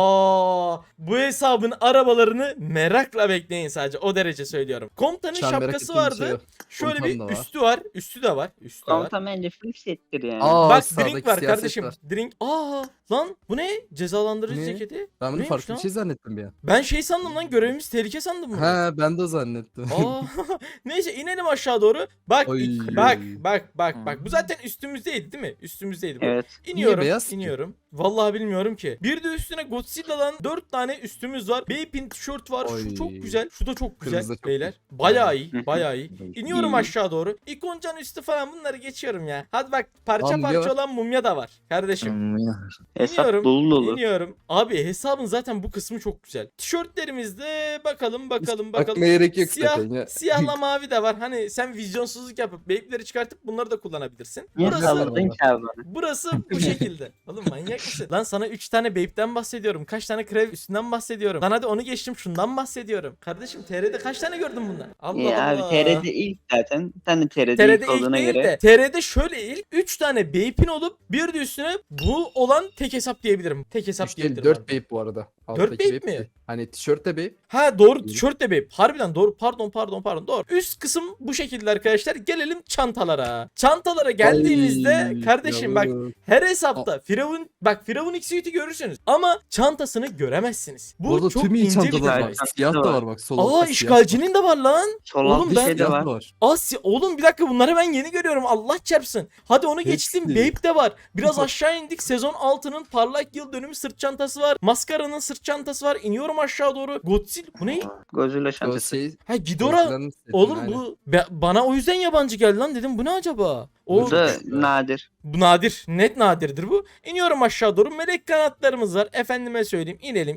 Speaker 1: Bu hesabın arabalarını merakla bekleyin sadece. O derece söylüyorum. Komutanın
Speaker 3: Şu an merak
Speaker 1: şapkası
Speaker 3: ettiğim bir
Speaker 1: vardı.
Speaker 3: şey yok.
Speaker 1: Şöyle
Speaker 3: Komutan
Speaker 1: bir
Speaker 3: da var.
Speaker 1: üstü var. Üstü de var.
Speaker 4: Komutan bence full settir yani.
Speaker 3: Aa,
Speaker 1: Bak
Speaker 3: sağdaki
Speaker 1: drink var
Speaker 3: siyaset
Speaker 1: kardeşim.
Speaker 3: var.
Speaker 1: Drink. Lan bu ne? Cezalandırıcı
Speaker 3: Ne?
Speaker 1: ceketi.
Speaker 3: Ben bunu
Speaker 1: Neymiş
Speaker 3: farklı
Speaker 1: lan?
Speaker 3: bir şey zannettim ya.
Speaker 1: Ben şey sandım lan görevimiz tehlike sandım bunu.
Speaker 3: He ben de o zannettim.
Speaker 1: Aa, neyse inelim aşağı doğru. Bak
Speaker 3: Oy.
Speaker 1: bak. Bu zaten üstümüzdeydi değil mi? Üstümüzdeydi bu.
Speaker 4: Evet.
Speaker 1: İniyorum.
Speaker 3: Niye beyaz ki?
Speaker 1: iniyorum. Vallahi bilmiyorum ki. Bir de üstüne Godzilla'dan 4 tane üstümüz var. Bape'in tişört var. Şu
Speaker 3: Oy.
Speaker 1: çok güzel. Şu da çok güzel
Speaker 3: Kırmızı çok
Speaker 1: beyler.
Speaker 3: güzel.
Speaker 1: Bayağı iyi. Bayağı iyi.
Speaker 2: İyi.
Speaker 1: İniyorum aşağı doğru. İkoncan üstü falan bunları geçiyorum ya. Hadi bak parça
Speaker 3: Mumya var.
Speaker 1: olan mumya da var. Kardeşim.
Speaker 4: Hesap
Speaker 1: İniyorum,
Speaker 4: dolu dolu.
Speaker 1: İniyorum. Abi hesabın zaten bu kısmı çok güzel. Tişörtlerimizde bakalım.
Speaker 3: Bakmaya gerek yok
Speaker 1: Siyah,
Speaker 3: zaten ya.
Speaker 1: siyahla mavi de var. Hani sen vizyonsuzluk yapıp Beypleri çıkartıp bunları da kullanabilirsin.
Speaker 4: Niye
Speaker 1: Burası,
Speaker 4: salladın ki abi?
Speaker 1: burası bu şekilde. Oğlum manyak mısın? Lan sana 3 tane Bape'den bahsediyorum. Kaç tane krev üstünden bahsediyorum. Lan hadi onu geçtim şundan bahsediyorum. Kardeşim TR'de kaç tane gördün bundan? Allah
Speaker 4: İyi
Speaker 1: Allah.
Speaker 4: abi TR'de ilk zaten. Sen de TR'de
Speaker 1: TR'de
Speaker 4: ilk
Speaker 1: ilk
Speaker 4: olduğuna
Speaker 1: değil
Speaker 4: göre.
Speaker 1: de TR'de şöyle ilk 3 tane Bape'in olup bir de üstüne bu olan tek hesap diyebilirim. Tek hesap
Speaker 3: Üç değil,
Speaker 1: diyebilirim.
Speaker 3: 4
Speaker 1: abi.
Speaker 3: Bape bu arada.
Speaker 1: Dört
Speaker 3: Alttaki
Speaker 1: Bape mi?
Speaker 3: de. Hani tişörtte Bape.
Speaker 1: Ha doğru
Speaker 3: İyi.
Speaker 1: tişört de Bape. Harbiden doğru. Pardon doğru. Üst kısım bu şekilde arkadaşlar. Gelelim çantalara. Çantalara geldiğimizde
Speaker 3: Ay,
Speaker 1: kardeşim bak
Speaker 3: yavrum.
Speaker 1: her hesapta Firavun X-Suite'i görürsünüz ama çantasını göremezsiniz.
Speaker 3: Bu
Speaker 1: Bu
Speaker 3: arada
Speaker 1: çok
Speaker 3: tüm iyi
Speaker 1: ince bir
Speaker 3: çantalar
Speaker 1: detay.
Speaker 3: var. Siyah da var bak. Sol altta
Speaker 1: Aa
Speaker 3: siyah.
Speaker 1: işgalcinin de var lan.
Speaker 4: Sol
Speaker 1: Oğlum
Speaker 4: altta
Speaker 1: ben-
Speaker 4: şey de
Speaker 3: Siyah
Speaker 4: var.
Speaker 3: da var.
Speaker 1: Oğlum bir dakika bunları ben yeni görüyorum. Allah çarpsın. Hadi onu geçtim.
Speaker 3: Hepsi.
Speaker 1: Bape de var. Biraz aşağı indik. Sezon 6'nın parlak yıl dönümü sırt çantası var. Maskara'nın sırt çantası var. İniyorum aşağı doğru. Godzilla. Bu ne?
Speaker 4: Gözüyle
Speaker 3: O
Speaker 4: şantası.
Speaker 3: şey.
Speaker 1: Ha Ghidorah.
Speaker 3: Godzilla'nın seti,
Speaker 1: Oğlum
Speaker 3: aynen.
Speaker 1: bu bana o yüzden yabancı geldi lan dedim bu ne acaba? O
Speaker 4: Bu da nadir.
Speaker 1: bu nadir. Net nadirdir bu. İniyorum aşağı doğru. Melek kanatlarımız var. Efendime söyleyeyim.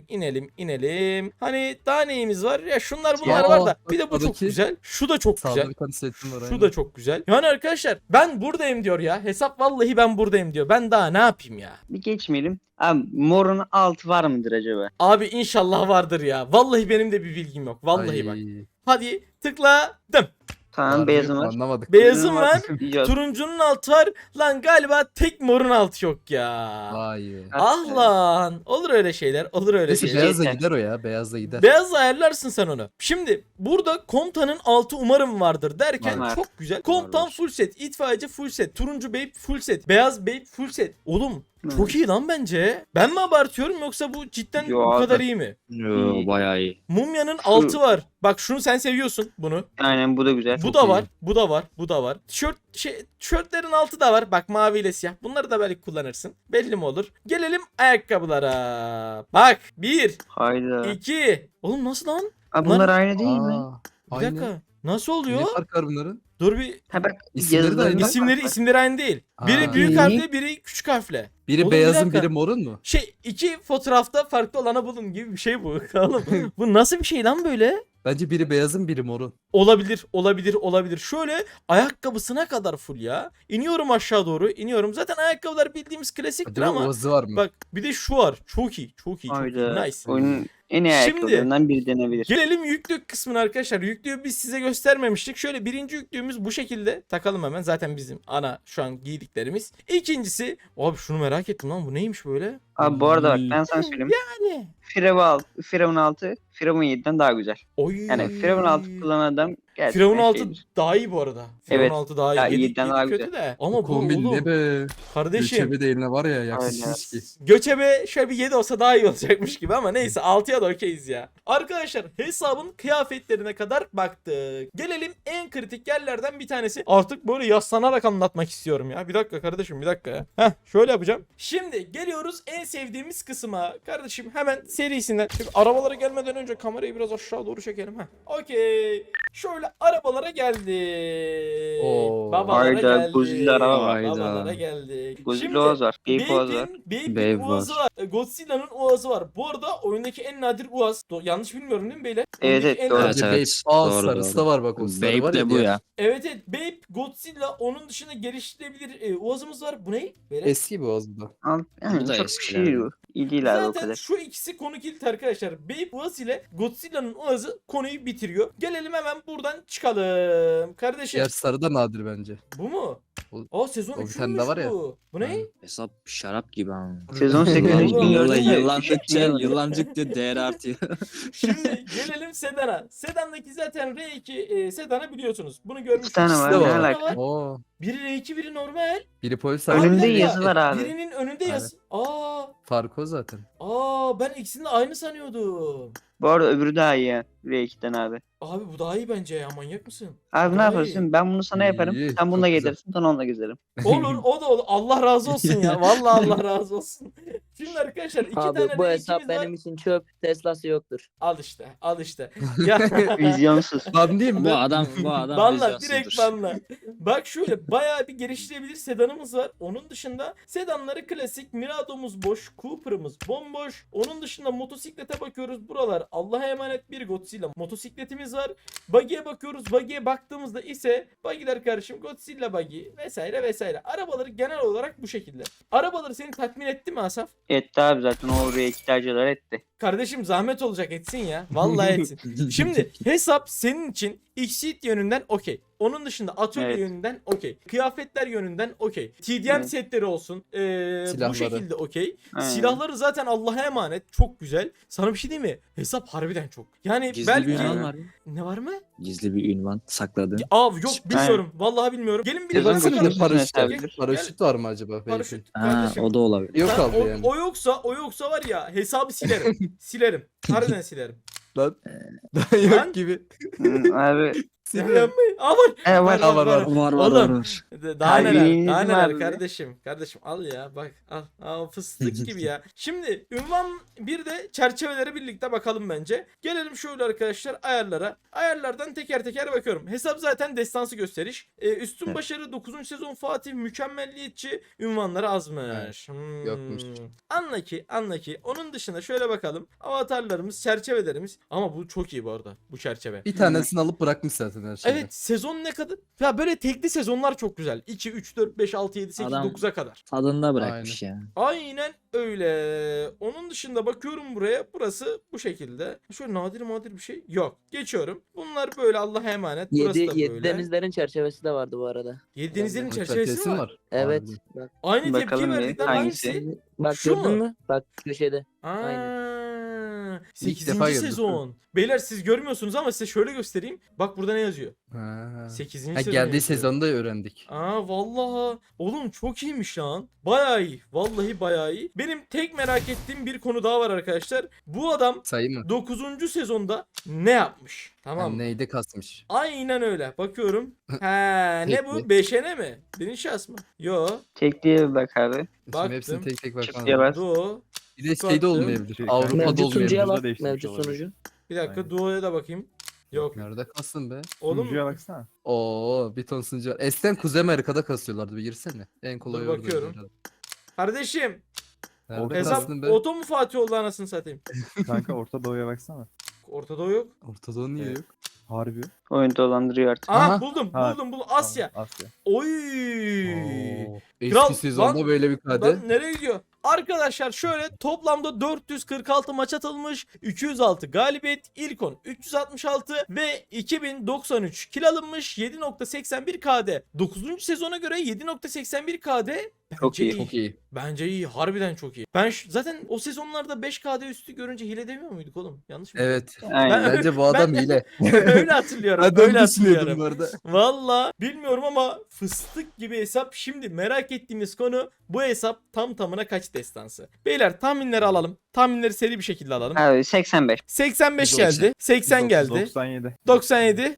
Speaker 1: İnelim. Hani daha neyimiz var? Ya şunlar bunlar
Speaker 3: Ya,
Speaker 1: var da. Bir de bu çok
Speaker 3: oradaki-
Speaker 1: güzel. Şu da çok
Speaker 3: Sağda
Speaker 1: güzel.
Speaker 3: bir tane setim var.
Speaker 1: Şu
Speaker 3: aynen.
Speaker 1: da çok güzel. Yani arkadaşlar ben buradayım diyor ya. Hesap vallahi ben buradayım diyor. Ben daha ne yapayım ya?
Speaker 4: Bir geçmeyelim. Abi morun altı var mıdır acaba?
Speaker 1: Abi inşallah vardır ya. Vallahi benim de bir bilgim yok. Vallahi bak.
Speaker 3: Ay,
Speaker 1: Hadi tıkladım.
Speaker 4: Tamam
Speaker 3: var
Speaker 4: beyazım
Speaker 3: mı?
Speaker 4: var.
Speaker 3: Anlamadık.
Speaker 1: Beyazım var.
Speaker 4: Yok.
Speaker 1: Turuncunun altı var. Lan galiba tek morun altı yok ya.
Speaker 3: Vay.
Speaker 1: Ah lan. Olur öyle şeyler. Olur öyle
Speaker 3: Neyse
Speaker 1: şeyler.
Speaker 3: beyaz da
Speaker 4: Yeter.
Speaker 3: gider o ya. Beyaz da gider.
Speaker 1: Beyaz ayarlarsın sen onu. Şimdi burada komutanın altı umarım vardır derken
Speaker 4: Var.
Speaker 1: çok güzel. Komutan
Speaker 3: var.
Speaker 1: full set, itfaiyeci full set, turuncu beyp full set, beyaz beyp full set. Oğlum çok iyi lan bence. Ben mi abartıyorum yoksa bu cidden
Speaker 4: Yo
Speaker 1: bu
Speaker 4: abi.
Speaker 1: kadar iyi mi?
Speaker 5: Yo bayağı iyi.
Speaker 1: Mumyanın altı var. Bak şunu sen seviyorsun bunu.
Speaker 4: Aynen bu da güzel.
Speaker 1: Bu da
Speaker 3: iyi.
Speaker 1: var. Bu da var. Bu da var. Tişörtlerin altı da var. Bak maviyle siyah. Bunları da belki kullanırsın. Belli mi olur? Gelelim ayakkabılara. Bak. 1,
Speaker 4: Hayda.
Speaker 1: 2. Oğlum nasıl lan?
Speaker 4: Abi bunlar aynı değil mi?
Speaker 3: Aa,
Speaker 1: Bir
Speaker 3: aynı.
Speaker 1: dakika. Nasıl
Speaker 3: Ne
Speaker 1: oluyor?
Speaker 3: fark var bunların?
Speaker 1: Dur bir.
Speaker 4: Ha bak
Speaker 3: İsimleri de
Speaker 4: yazılarında
Speaker 3: aynı.
Speaker 4: fark var.
Speaker 1: İsimleri aynı değil. Biri
Speaker 3: Aa.
Speaker 1: büyük harfle, biri küçük harfle.
Speaker 3: Biri
Speaker 1: Oğlum, bir
Speaker 3: beyazın
Speaker 1: dakika.
Speaker 3: biri morun mu?
Speaker 1: İki fotoğrafta farklı olana bulun gibi bir şey bu. Oğlum bu nasıl bir şey lan böyle?
Speaker 3: Bence biri beyazın biri morun.
Speaker 1: Olabilir. Şöyle ayakkabısına kadar full ya. İniyorum aşağı doğru. İniyorum. Zaten ayakkabılar bildiğimiz klasiktir
Speaker 3: Acaba
Speaker 1: ama
Speaker 3: Oğuz'u var mı?
Speaker 1: bak bir de şu var. Çok iyi.
Speaker 4: Hayda.
Speaker 1: Nice.
Speaker 4: Oyunun en iyi
Speaker 1: Şimdi-
Speaker 4: ayakkabılarından biri denebilir.
Speaker 1: Gelelim yüklük kısmına arkadaşlar. Yüklüğü biz size göstermemiştik. Şöyle birinci yüklüğümüz bu şekilde. Takalım hemen. Zaten bizim ana şu an giydiklerimiz. İkincisi. Abi şunu merak ettim lan. Bu neymiş böyle?
Speaker 4: Abi bu arada bak ben sana söyleyeyim.
Speaker 1: Yani.
Speaker 4: Firavun 6 Firavun 7'den daha güzel.
Speaker 1: Oy.
Speaker 4: Yani Firavun 6 kullanan adam gerçekten
Speaker 1: Firavun 6
Speaker 4: şeydir.
Speaker 1: daha iyi bu arada. Firavun
Speaker 4: Evet.
Speaker 1: 6 daha
Speaker 4: Ya,
Speaker 1: iyi. 7,
Speaker 4: yediden daha
Speaker 1: kötü
Speaker 4: güzel.
Speaker 1: de. Ama bu
Speaker 3: Kombin
Speaker 1: oğlum.
Speaker 3: ne be?
Speaker 1: Kardeşim.
Speaker 3: Göçebe de eline var ya yakışmış ki.
Speaker 1: Göçebe şöyle bir 7 olsa daha iyi olacakmış gibi ama neyse 6'ya da okeyiz ya. Arkadaşlar hesabın kıyafetlerine kadar baktık. Gelelim en kritik yerlerden bir tanesi. Artık böyle yaslanarak anlatmak istiyorum ya. Bir dakika kardeşim bir dakika ya. Heh şöyle yapacağım. Şimdi geliyoruz en sevdiğimiz kısma. Kardeşim hemen serisinden. Şimdi arabalara gelmeden önce kamerayı biraz aşağı doğru çekelim. Heh. Okey. Şöyle arabalara geldik.
Speaker 3: Oo.
Speaker 1: Babalara
Speaker 4: Hayda,
Speaker 1: geldik.
Speaker 4: Godzilla araba
Speaker 5: var.
Speaker 1: Babalara geldik.
Speaker 4: Godzilla Oğaz var. Beyp Oğaz var.
Speaker 1: Babe'in
Speaker 5: Babe
Speaker 1: Uaz'ı var. Godzilla'nın Uaz'ı var. Bu arada oyundaki en nadir Uaz. Yanlış bilmiyorum değil mi beyler?
Speaker 4: Evet,
Speaker 1: Oyundaki
Speaker 4: evet,
Speaker 1: en
Speaker 4: doğru.
Speaker 1: nadir-
Speaker 3: Bence
Speaker 5: evet.
Speaker 3: Babe Aa
Speaker 5: Doğru,
Speaker 3: sarısı
Speaker 5: doğru.
Speaker 3: da var bak o sarı
Speaker 5: Babe
Speaker 3: var
Speaker 5: de bu
Speaker 3: diğer.
Speaker 5: ya.
Speaker 1: Evet. Babe, Godzilla. Onun dışında geliştirilebilir Uaz'ımız var. Bu ne? Beyler?
Speaker 3: Eski bu az bu da.
Speaker 4: Yani
Speaker 5: Bu da
Speaker 4: çok bir
Speaker 5: eskiler.
Speaker 4: şey bu. İyi değil abi o
Speaker 1: Zaten
Speaker 4: kadar.
Speaker 1: şu ikisi konu kilit arkadaşlar. Babe Uaz ile Godzilla'nın Uaz'ı konuyu bitiriyor. Gelelim hemen buradan çıkalım. Kardeşim
Speaker 3: Diğer sarı da nadir bence.
Speaker 1: bu mu?
Speaker 3: O-
Speaker 1: Sezon
Speaker 3: o bir
Speaker 1: 3'müş
Speaker 3: tane de var ya.
Speaker 1: bu. Bu ne?
Speaker 3: Ha.
Speaker 5: Hesap şarap gibi ama.
Speaker 4: Sezon 8'in
Speaker 1: Oğlum,
Speaker 4: hiçbirini gördün mü?
Speaker 5: Yıllandıkça
Speaker 4: Yıllandı.
Speaker 5: yıllandıkça değer artıyor.
Speaker 1: Şimdi gelelim sedana. Sedandaki zaten R2 sedanı biliyorsunuz. Bunu görmüşsünüz.
Speaker 4: İki tane
Speaker 3: var,
Speaker 1: İkisi de
Speaker 3: ne
Speaker 4: alaka?
Speaker 3: Oo.
Speaker 1: Biri R2 biri normal.
Speaker 3: Biri polis
Speaker 1: Abi,
Speaker 3: abi.
Speaker 4: Önünde
Speaker 1: bir dakika.
Speaker 4: yazı var abi.
Speaker 1: Birinin önünde yazı.
Speaker 3: Farkı o zaten.
Speaker 1: Ben ikisini de aynı sanıyordum.
Speaker 4: Bu arada öbürü daha iyi ya. V2'den abi.
Speaker 1: Abi bu daha iyi bence ya, manyak mısın?
Speaker 4: Abi ne
Speaker 1: Daha
Speaker 4: yaparsın? Ben bunu sana
Speaker 3: İyi,
Speaker 4: yaparım.
Speaker 3: iyi,
Speaker 4: Sen bununla
Speaker 3: çok güzel.
Speaker 4: gelirsin. Ben onunla gezerim.
Speaker 1: Olur, o da olur. Allah razı olsun ya. Vallahi Allah razı olsun. Şimdi arkadaşlar iki
Speaker 2: Abi
Speaker 1: tane
Speaker 2: bu
Speaker 1: de
Speaker 2: hesap
Speaker 1: ikimiz var.
Speaker 2: benim için çöp. Tesla'sı yoktur.
Speaker 1: Al işte. Ya
Speaker 4: Vizyonsuz.
Speaker 3: Lan değil mi?
Speaker 5: bu adam
Speaker 1: banla,
Speaker 5: vizyonsuzdur.
Speaker 1: direkt banla. Bak şöyle bayağı bir geliştirebilir sedanımız var. Onun dışında sedanları klasik. Mirado'muz boş. Cooper'ımız bomboş. Onun dışında motosiklete bakıyoruz. Buralar Allah'a emanet bir Godzilla motosikletimiz var. Buggy'e bakıyoruz. Buggy'e baktığımızda ise buggy'ler karışım Godzilla buggy vesaire vesaire. Arabaları genel olarak bu şekilde. Arabaları seni tatmin etti mi Asaf?
Speaker 4: Etti abi zaten o V2 tercihler etti.
Speaker 1: Kardeşim zahmet olacak, etsin ya. Vallahi etsin. Şimdi hesap senin için Exceed yönünden okey. Onun dışında atölye
Speaker 4: Evet.
Speaker 1: yönünden okey. Kıyafetler yönünden okey. TDM
Speaker 4: Evet.
Speaker 1: setleri olsun. Bu
Speaker 3: Silahları.
Speaker 1: şekilde okey.
Speaker 4: Aynen.
Speaker 1: Silahları zaten Allah'a emanet. Çok güzel. Sana bir şey diyeyim mi? Hesap harbiden çok. Yani
Speaker 5: Gizli
Speaker 1: belki...
Speaker 5: bir ünvan var mı?
Speaker 1: Ne var mı?
Speaker 5: Gizli bir ünvan sakladın.
Speaker 1: Yok bilmiyorum. Vallahi bilmiyorum. Gelin bir de
Speaker 4: Sezon
Speaker 1: bak
Speaker 4: kaçıncı
Speaker 1: bakalım.
Speaker 3: Paraşüt,
Speaker 4: Gel,
Speaker 1: gel.
Speaker 3: paraşüt var mı acaba? Belki.
Speaker 1: Paraşüt.
Speaker 5: Ha,
Speaker 1: Kardeşim.
Speaker 5: o da olabilir.
Speaker 3: Yok
Speaker 1: Ben
Speaker 3: abi yani.
Speaker 1: o yoksa var ya, hesabı silerim. Silerim. Harbiden silerim.
Speaker 3: Lan.
Speaker 1: Lan.
Speaker 3: Yok gibi.
Speaker 4: Abi
Speaker 1: Yapmayın. Aa var.
Speaker 4: Var.
Speaker 3: var.
Speaker 5: Var
Speaker 1: Oğlum. Daha neler?
Speaker 4: Terbiyesizim
Speaker 1: Daha neler
Speaker 4: abi.
Speaker 1: kardeşim? Kardeşim al ya bak al. Al fıstık gibi ya. Şimdi ünvan bir de çerçeveleri birlikte bakalım bence. Gelelim şöyle arkadaşlar ayarlara. Ayarlardan teker teker bakıyorum. Hesap zaten destansı gösteriş. Üstün
Speaker 5: Evet.
Speaker 1: başarı 9. sezon Fatih mükemmelliyetçi ünvanları azmış.
Speaker 3: Evet, yokmuş.
Speaker 1: Anla ki. Onun dışında şöyle bakalım. Avatarlarımız, çerçevelerimiz. Ama bu çok iyi bu arada. Bu çerçeve.
Speaker 3: Bir tanesini alıp bırakmış zaten her şeyi.
Speaker 1: Evet sezon ne kadar? Ya böyle tekli sezonlar çok güzel. 2, 3, 4, 5, 6, 7, 8,
Speaker 5: Adam-
Speaker 1: 9'a kadar.
Speaker 5: Tadında bırakmış ya.
Speaker 1: Aynen öyle. Onun dışında bakıyorum buraya. Burası bu şekilde. Şöyle nadir bir şey yok. Geçiyorum. Bunlar böyle Allah'a emanet. Burası da
Speaker 2: 7
Speaker 1: böyle.
Speaker 2: denizlerin çerçevesi de vardı bu arada.
Speaker 1: 7 denizlerin
Speaker 3: Bunun
Speaker 1: çerçevesi mi var?
Speaker 2: Evet.
Speaker 3: Harbi.
Speaker 2: Bak,
Speaker 1: Aynı tepki
Speaker 4: Bakalım bir,
Speaker 1: verdik lan
Speaker 4: hangisi?
Speaker 1: hangisi?
Speaker 2: bak
Speaker 1: Şu
Speaker 2: gördün
Speaker 1: mu?
Speaker 2: mü? Bak köşede.
Speaker 1: Aa,
Speaker 3: İlk
Speaker 1: 8.
Speaker 3: defa gördüm.
Speaker 1: sezon. Beyler siz görmüyorsunuz ama size şöyle göstereyim. Bak burada ne yazıyor?
Speaker 3: Ha.
Speaker 1: 8.
Speaker 3: Ha,
Speaker 1: sezon
Speaker 3: geldiği
Speaker 1: yazıyor.
Speaker 3: sezonda öğrendik.
Speaker 1: Aa vallahi. Oğlum çok iyiymiş lan. Bayağı iyi. Vallahi bayağı iyi. Benim tek merak ettiğim bir konu daha var arkadaşlar. Bu adam
Speaker 3: Sayı mı?
Speaker 1: 9. sezonda ne yapmış? Tamam
Speaker 3: Ha,
Speaker 1: mı?
Speaker 3: neydi kasmış?
Speaker 1: Aynen öyle. Bakıyorum. He ne bu?
Speaker 3: Peki.
Speaker 1: 5'ene mi? Birinci şans mı? Yo.
Speaker 4: Çektiğe bir bak abi.
Speaker 3: Şimdi
Speaker 1: Baktım.
Speaker 3: hepsini tek tek
Speaker 4: Çiftliğe
Speaker 3: bakmam.
Speaker 4: bas.
Speaker 1: Duo.
Speaker 3: Bir de
Speaker 1: Baktım.
Speaker 3: şeyde olmayabilir.
Speaker 6: Şey,
Speaker 3: Avrupa'da
Speaker 2: Mevcut sunucuya
Speaker 3: olmayabilir.
Speaker 2: bak.
Speaker 6: değiştirmiş
Speaker 2: Mevcut
Speaker 6: olabilir.
Speaker 2: sunucu.
Speaker 1: Bir dakika
Speaker 6: Aynen.
Speaker 1: Duo'ya da bakayım. Yok.
Speaker 3: Nerede kastın be?
Speaker 1: Oğlum
Speaker 6: Sunucuya baksana.
Speaker 3: Oo bir ton sunucu var. Eskiden Kuzey Amerika'da kasıyorlardı bir girsene. En kolay
Speaker 1: Dur
Speaker 3: orada
Speaker 1: bakıyorum.
Speaker 3: herhalde.
Speaker 1: kardeşim
Speaker 3: Nerede
Speaker 1: hesap
Speaker 3: kastın be?
Speaker 1: oto mu Fatih oldu anasını satayım.
Speaker 6: Kanka Orta Doğu'ya baksana.
Speaker 1: Ortada o yok.
Speaker 3: Ortada niye
Speaker 6: Evet.
Speaker 3: yok?
Speaker 6: Harbi.
Speaker 4: Oyun dolandırıyor artık.
Speaker 1: Aha,
Speaker 3: Aha.
Speaker 1: buldum.
Speaker 6: Ha,
Speaker 1: Asya.
Speaker 6: Tamam, Asya.
Speaker 1: Oy.
Speaker 3: Oo,
Speaker 1: Kral,
Speaker 3: Eski sezonda
Speaker 1: lan-
Speaker 3: böyle bir kade.
Speaker 1: Lan nereye gidiyor? Arkadaşlar şöyle toplamda 446 maç atılmış, 206 galibiyet, ilk 10 366 ve 2093 kill alınmış, 7.81 KD. 9. sezona göre 7.81 KD
Speaker 4: Çok
Speaker 1: bence
Speaker 4: iyi.
Speaker 3: Çok iyi.
Speaker 1: Bence iyi, harbiden çok iyi. Ben zaten o sezonlarda 5 KD üstü görünce hile demiyor muyduk oğlum? Yanlış mı?
Speaker 3: Evet.
Speaker 4: Aynen.
Speaker 3: Bence bu adam
Speaker 1: Ben-
Speaker 3: hile.
Speaker 1: Öyle hatırlıyorum.
Speaker 3: Ben
Speaker 1: öyle
Speaker 3: de düşünüyordum
Speaker 1: hatırlıyorum.
Speaker 3: bu arada.
Speaker 1: Valla bilmiyorum ama fıstık gibi hesap. Şimdi merak ettiğimiz konu bu hesap tam tamına kaç destansı? Beyler tahminleri alalım. Tahminleri seri bir şekilde alalım.
Speaker 4: Abi 85.
Speaker 1: 85
Speaker 3: 190.
Speaker 1: geldi. 80 geldi.
Speaker 6: 97.
Speaker 1: 97.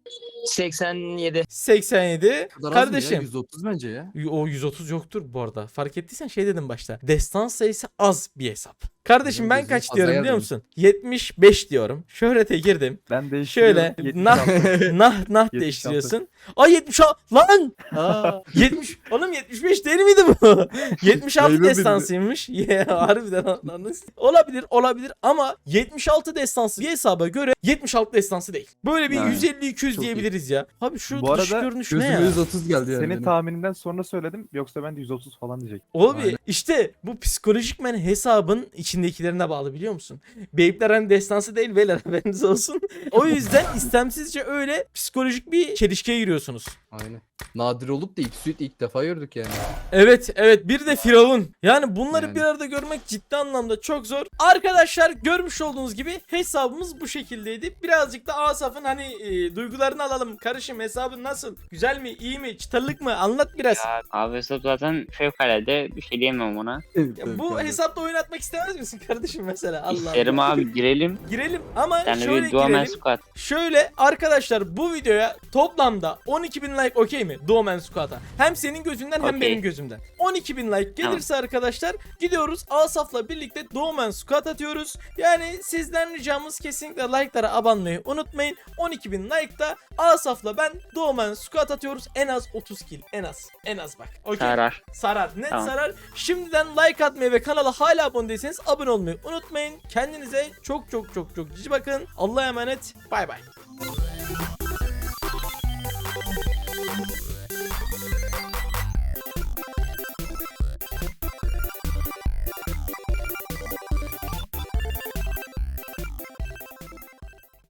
Speaker 2: 87.
Speaker 1: 87.
Speaker 3: Bu kadar az mı ya?
Speaker 1: Kardeşim.
Speaker 3: 130 bence ya.
Speaker 1: O 130 yoktur bu arada. Fark ettiysen şey dedim başta. Destan sayısı az bir hesap. Kardeşim
Speaker 3: Benim
Speaker 1: ben
Speaker 3: gözüm
Speaker 1: kaç
Speaker 3: fazla
Speaker 1: diyorum biliyor
Speaker 3: geldi.
Speaker 1: musun? 75 diyorum. Şöhrete girdim.
Speaker 6: Ben değiştiriyorum.
Speaker 1: Şöyle
Speaker 6: 76.
Speaker 1: nah
Speaker 6: 76.
Speaker 1: değiştiriyorsun. Ay 70 lan!
Speaker 3: Aa,
Speaker 1: 70 oğlum 75 değil miydi bu? 76
Speaker 3: Meyve
Speaker 1: destansıymış. Harbiden anladınız. Olabilir ama 76 destansı bir hesaba göre 76 destansı değil. Böyle bir
Speaker 4: Yani,
Speaker 1: 150-200
Speaker 3: çok iyi.
Speaker 1: diyebiliriz ya. Abi şu
Speaker 6: Bu
Speaker 1: dış
Speaker 6: arada
Speaker 1: görünüş ne
Speaker 3: gözüme
Speaker 1: ya?
Speaker 3: 130 geldi yani.
Speaker 6: Senin
Speaker 3: benim.
Speaker 6: tahmininden sonra söyledim. Yoksa ben de 130 falan diyecektim.
Speaker 1: Oğlum
Speaker 3: Aynen.
Speaker 1: işte bu psikolojikmen hesabın içindekilerine bağlı biliyor musun? Beyipler hani destansı değil beyler haberiniz olsun. O yüzden istemsizce öyle psikolojik bir çelişkiye giriyorsunuz.
Speaker 3: Aynen. Nadir olup da ilk defa gördük yani.
Speaker 1: Evet bir de Firavun. Yani bunları
Speaker 3: Yani.
Speaker 1: bir arada görmek ciddi anlamda çok zor. Arkadaşlar görmüş olduğunuz gibi hesabımız bu şekildeydi. Birazcık da Asaf'ın hani duygularını alalım. Karışım hesabın nasıl? Güzel mi? İyi mi? Çıtırlık mı? Anlat biraz.
Speaker 4: Ya, abi hesap zaten fevkalade bir şey diyemem ona.
Speaker 1: Ya bu hesapta oynatmak istemez misin kardeşim mesela? Allah
Speaker 4: İsterim
Speaker 1: Allah.
Speaker 4: abi girelim.
Speaker 1: Girelim ama
Speaker 4: Yani
Speaker 1: şöyle
Speaker 4: bir Duomen
Speaker 1: girelim.
Speaker 4: Squad.
Speaker 1: Şöyle arkadaşlar bu videoya toplamda 12.000 like okey mi? Duomen Squad'a. Hem senin gözünden hem
Speaker 4: Okey.
Speaker 1: benim gözümden. 12.000 like gelirse arkadaşlar gidiyoruz Asaf'la birlikte Duomen Squad atıyoruz. Yani sizden ricamız kesinlikle like'lara abanmayı unutmayın. 12.000 like'da Asaf'la ben Duomen Squad atıyoruz. En az 30 kill. En az bak. Okey.
Speaker 4: Sarar.
Speaker 1: Sarar. Net
Speaker 4: Tamam.
Speaker 1: sarar. Şimdiden like atmayı ve kanala hala abone değilseniz abone olmayı unutmayın. Kendinize çok cici bakın. Allah'a emanet. Bay bay.